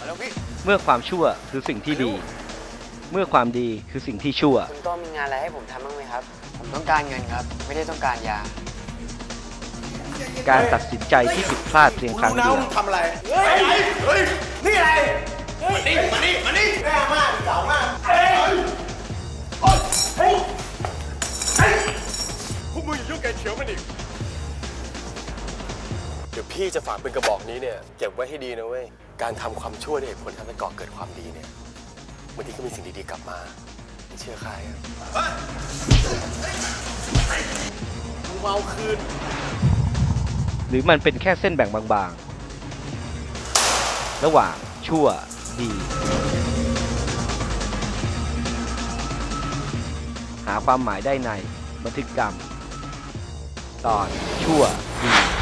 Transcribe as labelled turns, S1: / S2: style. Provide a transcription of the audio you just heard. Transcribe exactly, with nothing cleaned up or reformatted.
S1: เมื่อความชั่วคือสิ่งที่ดี เมื่อความดีคือสิ่งที่ชั่ว
S2: คุณโต้มีงานอะไรให้ผมทำบ้างไหมครับผมต้องการเงินครับไม่ได้ต้องการยา
S1: การตัดสินใจที่ผิดพลาดเพียงครั้งเดียว
S3: ทำอะไรเฮ้ยเฮ้ยนี่อะไรมานี่มานี่มานี่แม่มากเก่ามากเฮ้ยเฮ้ยพวกมึงอย่ายุ่งแกเฉียวมันอีกเดี๋ยวพี่จะฝากเป็นกระบอกนี้เนี่ยเก็บไว้ให้ดีนะเว้ยการทำความชั่วด้วยเหตุผลทำให้ก่อเกิดความดีเนี่ยบางทีก็มีสิ่งดีๆกลับมาไม่เชื่อใครมึงเมาคืน
S1: หรือมันเป็นแค่เส้นแบ่งบางๆระหว่างชั่วดีหาความหมายได้ในบันทึกกรรมตอนชั่วดี